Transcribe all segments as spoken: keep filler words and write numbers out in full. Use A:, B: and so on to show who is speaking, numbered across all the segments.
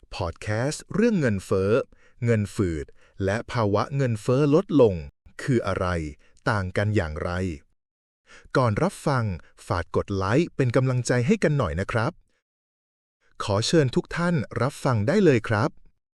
A: พอดแคสต์เรื่องเงินเฟ้อเงินฝืดและภาวะเงินเฟ้อลดลงคืออะไรต่างกันอย่างไรก่อนรับฟังฝากกดไลค์เป็นกำลังใจให้กันหน่อยนะครับขอเชิญทุกท่านรับฟังได้เลยครับ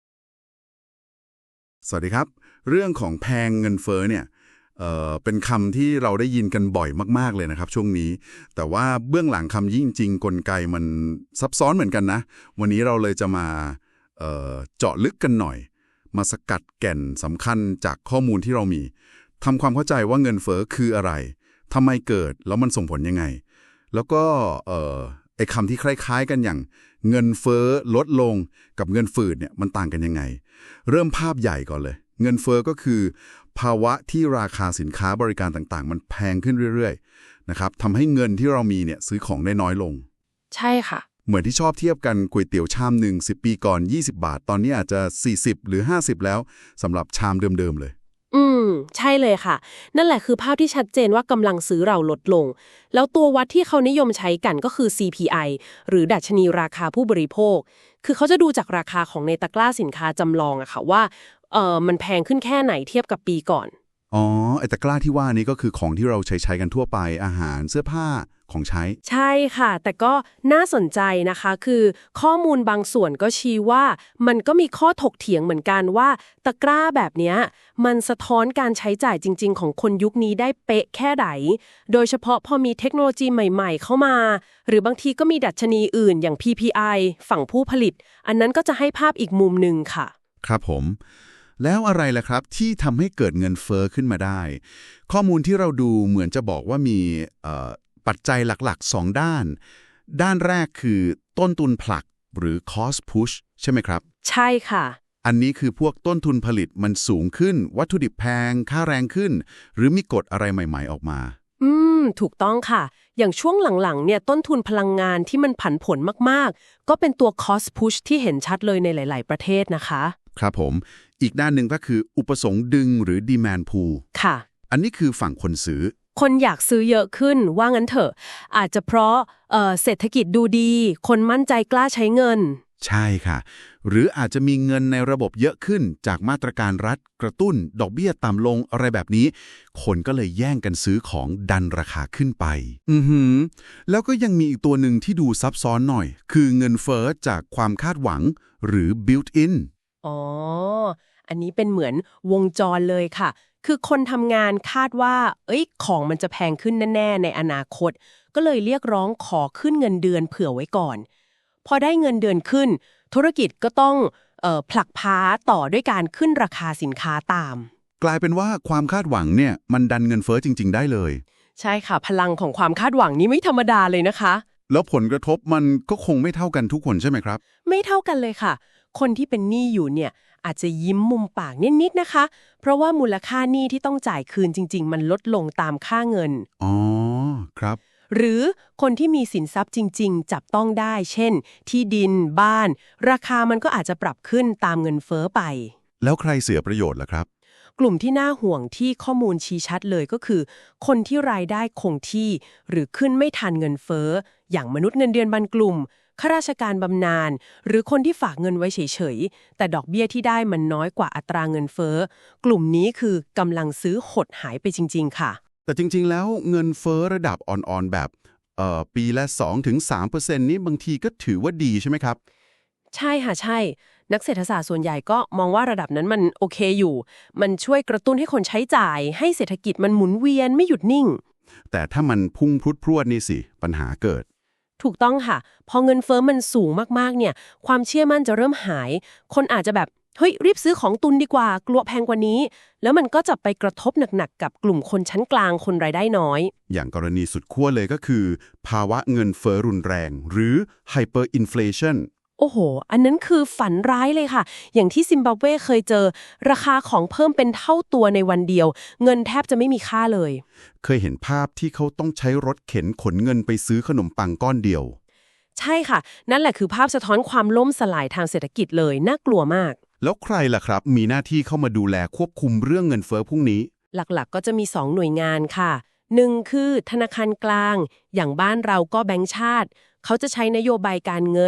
B: สวัสดีครับเรื่องของแพงเงินเฟ้อเนี่ยเอ่อเป็นคำที่เราได้ยินกันบ่อยมากๆเลยนะครับช่วงนี้แต่ว่าเบื้องหลังคำยิ่งจริงกลไกมันซับซ้อนเหมือนกันนะวันนี้เราเลยจะมาเอ่อเจาะลึกกันหน่อยมาสกัดแก่นสำคัญจากข้อมูลที่เรามีทำความเข้าใจว่าเงินเฟ้อคืออะไรทำไมเกิดแล้วมันส่งผลยังไงแล้วก็เอ่อไอ้คำที่คล้ายๆกันอย่างเงินเฟ้อลดลงกับเงินฝืดเนี่ยมันต่างกันยังไงเริ่มภาพใหญ่ก่อนเลยเงินเฟ้อก็คือภาวะที่ราคาสินค้าบริการต่างๆมันแพงขึ้นเรื่อยๆนะครับทำให้เงินที่เรามีเนี่ยซื้อของได้น้อยลง
C: ใช่ค่ะ
B: เหมือนที่ชอบเทียบกันก๋วยเตี๋ยวชามหนึ่งสิบปีก่อนยี่สิบบาทตอนนี้อาจจะสี่สิบหรือห้าสิบแล้วสำหรับชามเดิมๆเลย
C: อืมใช่เลยค่ะนั่นแหละคือภาพที่ชัดเจนว่ากำลังซื้อเราลดลงแล้วตัววัดที่เขานิยมใช้กันก็คือ ซี พี ไอ หรือดัชนีราคาผู้บริโภคคือเขาจะดูจากราคาของในตะกร้าสินค้าจำลองอะค่ะว่าเออมันแพงขึ้นแค่ไหนเทียบกับปีก่อน
B: อ๋อไอ้ตะกร้าที่ว่านี้ก็คือของที่เราใช้ใช้กันทั่วไปอาหารเสื้อผ้าของใช้
C: ใช่ค่ะแต่ก็น่าสนใจนะคะคือข้อมูลบางส่วนก็ชี้ว่ามันก็มีข้อถกเถียงเหมือนกันว่าตะกร้าแบบเนี้ยมันสะท้อนการใช้จ่ายจริงๆของคนยุคนี้ได้เป๊ะแค่ไหนโดยเฉพาะพอมีเทคโนโลยีใหม่ๆเข้ามาหรือบางทีก็มีดัชนีอื่นอย่าง พี พี ไอ ฝั่งผู้ผลิตอันนั้นก็จะให้ภาพอีกมุมหนึ่งค่ะ
B: ครับผมแล้วอะไรล่ะครับที่ทำให้เกิดเงินเฟ้อขึ้นมาได้ข้อมูลที่เราดูเหมือนจะบอกว่ามีปัจจัยหลักๆสองด้านด้านแรกคือต้นทุนผลักหรือ cost push ใช่ไหมครับ
C: ใช่ค่ะ
B: อันนี้คือพวกต้นทุนผลิตมันสูงขึ้นวัตถุดิบแพงค่าแรงขึ้นหรือมีกฎอะไรใหม่ๆออกมา
C: อืมถูกต้องค่ะอย่างช่วงหลังๆเนี่ยต้นทุนพลังงานที่มันผันผวนมากๆก็เป็นตัว cost push ที่เห็นชัดเลยในหลายๆประเทศนะคะ
B: ครับผมอีกด้านหนึ่งก็คืออุปสงค์ดึงหรือ demand pull
C: ค่ะ
B: อันนี้คือฝั่งคนซื้อ
C: คนอยากซื้อเยอะขึ้นว่างั้นเถอะอาจจะเพราะเอ่อเศรษฐกิจดูดีคนมั่นใจกล้าใช้เงิน
B: ใช่ค่ะหรืออาจจะมีเงินในระบบเยอะขึ้นจากมาตรการรัฐกระตุ้นดอกเบี้ยต่ำลงอะไรแบบนี้คนก็เลยแย่งกันซื้อของดันราคาขึ้นไปอือหือแล้วก็ยังมีอีกตัวหนึ่งที่ดูซับซ้อนหน่อยคือเงินเฟ้อจากความคาดหวังหรือ built in
C: อ๋ออันนี้เป็นเหมือนวงจรเลยค่ะคือคนทำงานคาดว่าเอ้ยของมันจะแพงขึ้นแน่ๆในอนาคตก็เลยเรียกร้องขอขึ้นเงินเดือนเผื่อไว้ก่อนพอได้เงินเดือนขึ้นธุรกิจก็ต้องเอ่อผลักพาต่อด้วยการขึ้นราคาสินค้าตาม
B: กลายเป็นว่าความคาดหวังเนี่ยมันดันเงินเฟ้อจริงๆได้เลย
C: ใช่ค่ะพลังของความคาดหวังนี้ไม่ธรรมดาเลยนะคะ
B: แล้วผลกระทบมันก็คงไม่เท่ากันทุกคนใช่ไหมครับ
C: ไม่เท่ากันเลยค่ะคนที่เป็นหนี้อยู่เนี่ยอาจจะยิ้มมุมปากนิดๆนะคะเพราะว่ามูลค่าหนี้ที่ต้องจ่ายคืนจริงๆมันลดลงตามค่าเงิน
B: อ๋อครับ
C: หรือคนที่มีสินทรัพย์จริงๆจับต้องได้เช่นที่ดินบ้านราคามันก็อาจจะปรับขึ้นตามเงินเฟ้อไป
B: แล้วใครเสียประโยชน์ล่ะครับ
C: กลุ่มที่น่าห่วงที่ข้อมูลชี้ชัดเลยก็คือคนที่รายได้คงที่หรือขึ้นไม่ทันเงินเฟ้ออย่างมนุษย์เงินเดือนบางกลุ่มข้าราชการบำนาญหรือคนที่ฝากเงินไว้เฉยๆแต่ดอกเบี้ยที่ได้มันน้อยกว่าอัตราเงินเฟ้อกลุ่มนี้คือกำลังซื้อหดหายไปจริงๆค่ะ
B: แต่จริงๆแล้วเงินเฟ้อระดับอ่อนๆแบบเอ่อปีละ สองถึงสามเปอร์เซ็นต์ นี้บางทีก็ถือว่าดีใช่ไหมครับ
C: ใช่ค่ะใช่นักเศรษฐศาสตร์ส่วนใหญ่ก็มองว่าระดับนั้นมันโอเคอยู่มันช่วยกระตุ้นให้คนใช้จ่ายให้เศรษฐกิจมันหมุนเวียนไม่หยุดนิ่ง
B: แต่ถ้ามันพุ่งพรุดพรวดนี่สิปัญหาเกิด
C: ถูกต้องค่ะพอเงินเฟ้อมันสูงมากๆเนี่ยความเชื่อมั่นจะเริ่มหายคนอาจจะแบบเฮ้ยรีบซื้อของตุนดีกว่ากลัวแพงกว่านี้แล้วมันก็จะไปกระทบหนักๆกับกลุ่มคนชั้นกลางคนรายได้น้อย
B: อย่างกรณีสุดขั้วเลยก็คือภาวะเงินเฟ้อรุนแรงหรือ hyperinflation
C: โอ้โหอันนั้นคือฝันร้ายเลยค่ะอย่างที่ซิมบับเวเคยเจอราคาของเพิ่มเป็นเท่าตัวในวันเดียวเงินแทบจะไม่มีค่าเลย
B: เคยเห็นภาพที่เขาต้องใช้รถเข็นขนเงินไปซื้อขนมปังก้อนเดียว
C: ใช่ค่ะนั่นแหละคือภาพสะท้อนความล่มสลายทางเศรษฐกิจเลยน่ากลัวมาก
B: แล้วใครล่ะครับมีหน้าที่เข้ามาดูแลควบคุมเรื่องเงินเฟ้อพวกนี้
C: หลักๆก็จะมีสองหน่วยงานค่ะหนึ่งคือธนาคารกลางอย่างบ้านเราก็แบงก์ชาติเขาจะใช้นโยบายการเงิน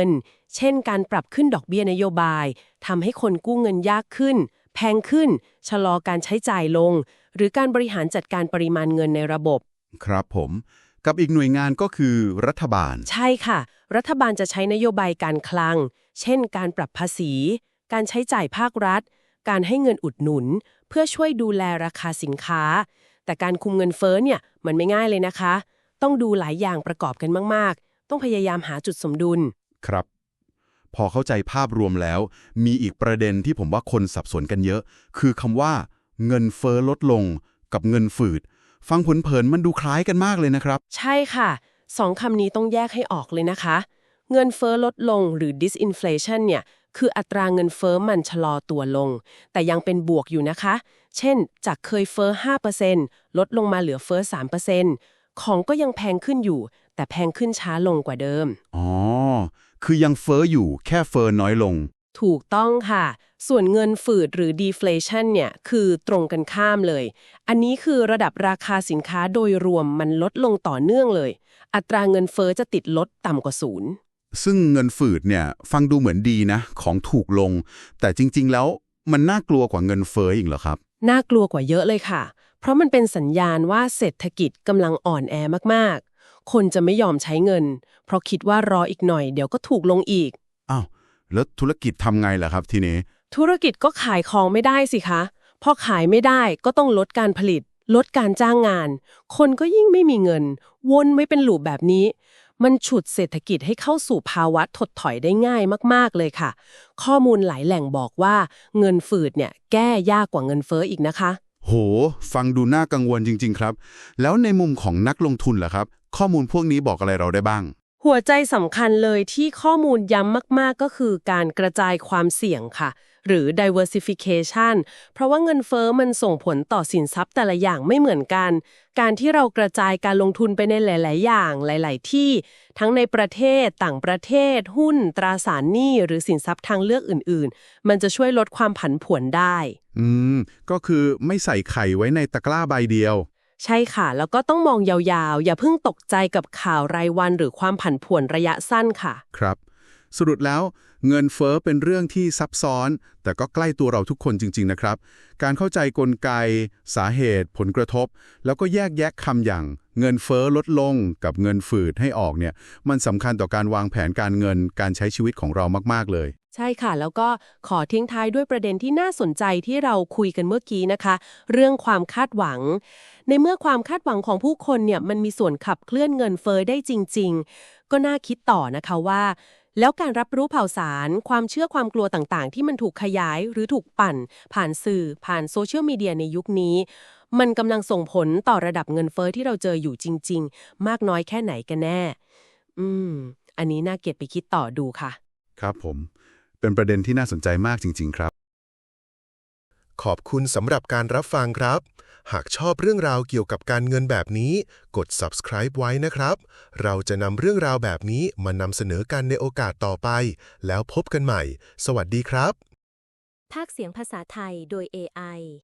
C: เช่นการปรับขึ้นดอกเบี้ยนโยบายทำให้คนกู้เงินยากขึ้นแพงขึ้นชะลอการใช้จ่ายลงหรือการบริหารจัดการปริมาณเงินในระบบ
B: ครับผมกับอีกหน่วยงานก็คือรัฐบาล
C: ใช่ค่ะรัฐบาลจะใช้นโยบายการคลังเช่นการปรับภาษีการใช้จ่ายภาครัฐการให้เงินอุดหนุนเพื่อช่วยดูแลราคาสินค้าแต่การคุมเงินเฟ้อเนี่ยมันไม่ง่ายเลยนะคะต้องดูหลายอย่างประกอบกันมากๆต้องพยายามหาจุดสมดุล
B: ครับพอเข้าใจภาพรวมแล้วมีอีกประเด็นที่ผมว่าคนสับสนกันเยอะคือคำว่าเงินเฟ้อลดลงกับเงินฝืดฟังเผินๆมันดูคล้ายกันมากเลยนะครับ
C: ใช่ค่ะสองคำนี้ต้องแยกให้ออกเลยนะคะเงินเฟ้อลดลงหรือ disinflation เนี่ยคืออัตราเงินเฟ้อมันชะลอตัวลงแต่ยังเป็นบวกอยู่นะคะเช่นจากเคยเฟ้อ ห้าเปอร์เซ็นต์ ลดลงมาเหลือเฟ้อ สามเปอร์เซ็นต์ ของก็ยังแพงขึ้นอยู่แต่แพงขึ้นช้าลงกว่าเดิม
B: อ๋อคือยังเฟ้ออยู่แค่เฟ้อน้อยลง
C: ถูกต้องค่ะส่วนเงินฝืดหรือ deflation เนี่ยคือตรงกันข้ามเลยอันนี้คือระดับราคาสินค้าโดยรวมมันลดลงต่อเนื่องเลยอัตราเงินเฟ้อจะติดลดต่ำกว่าศูนย์
B: ซึ่งเงินฝืดเนี่ยฟังดูเหมือนดีนะของถูกลงแต่จริงๆแล้วมันน่ากลัวกว่าเงินเฟ้ออีกเหรอครับ
C: น่ากลัวกว่าเยอะเลยค่ะเพราะมันเป็นสัญญาณว่าเศรษฐกิจกำลังอ่อนแอมากๆคนจะไม่ยอมใช้เงินเพราะคิดว่ารออีกหน่อยเดี๋ยวก็ถูกลงอีก
B: อ้าวแล้วธุรกิจทำไงล่ะครับทีนี้
C: ธุรกิจก็ขายของไม่ได้สิคะพอขายไม่ได้ก็ต้องลดการผลิตลดการจ้างงานคนก็ยิ่งไม่มีเงินวนไม่เป็นลูปแบบนี้มันฉุดเศรษฐกิจให้เข้าสู่ภาวะถดถอยได้ง่ายมากๆเลยค่ะข้อมูลหลายแหล่งบอกว่าเงินฝืดเนี่ยแก้ยากกว่าเงินเฟ้ออีกนะคะ
B: โหฟังดูน่ากังวลจริงๆครับแล้วในมุมของนักลงทุนล่ะครับข้อมูลพวกนี้บอกอะไรเราได้บ้าง
C: หัวใจสำคัญเลยที่ข้อมูลย้ำมากๆก็คือการกระจายความเสี่ยงค่ะหรือ diversification เพราะว่าเงินเฟ้อมันส่งผลต่อสินทรัพย์แต่ละอย่างไม่เหมือนกันการที่เรากระจายการลงทุนไปในหลายๆอย่างหลายๆที่ทั้งในประเทศต่างประเทศหุ้นตราสารหนี้หรือสินทรัพย์ทางเลือกอื่นๆมันจะช่วยลดความผันผวนได้
B: อืมก็คือไม่ใส่ไข่ไว้ในตะกร้าใบเดียว
C: ใช่ค่ะแล้วก็ต้องมองยาวๆอย่าเพิ่งตกใจกับข่าวรายวันหรือความผันผวนระยะสั้นค่ะ
B: ครับสรุปแล้วเงินเฟ้อเป็นเรื่องที่ซับซ้อนแต่ก็ใกล้ตัวเราทุกคนจริงๆนะครับการเข้าใจกลไกสาเหตุผลกระทบแล้วก็แยกแยะคำอย่างเงินเฟ้อลดลงกับเงินฝืดให้ออกเนี่ยมันสำคัญต่อการวางแผนการเงินการใช้ชีวิตของเรามากๆเลย
C: ใช่ค่ะแล้วก็ขอทิ้งท้ายด้วยประเด็นที่น่าสนใจที่เราคุยกันเมื่อกี้นะคะเรื่องความคาดหวังในเมื่อความคาดหวังของผู้คนเนี่ยมันมีส่วนขับเคลื่อนเงินเฟ้อได้จริงๆก็น่าคิดต่อนะคะว่าแล้วการรับรู้ข่าวสารความเชื่อความกลัวต่างๆที่มันถูกขยายหรือถูกปั่นผ่านสื่อผ่านโซเชียลมีเดียในยุคนี้มันกำลังส่งผลต่อระดับเงินเฟ้อที่เราเจออยู่จริงๆมากน้อยแค่ไหนกันแน่อืมอันนี้น่าเก็บไปคิดต่อดูค่ะ
B: ครับผมเป็นประเด็นที่น่าสนใจมากจริงๆครับ
A: ขอบคุณสำหรับการรับฟังครับหากชอบเรื่องราวเกี่ยวกับการเงินแบบนี้กด subscribe ไว้นะครับเราจะนำเรื่องราวแบบนี้มานำเสนอกันในโอกาสต่อไปแล้วพบกันใหม่สวัสดีครับ
D: พากย์เสียงภาษาไทยโดย เอ ไอ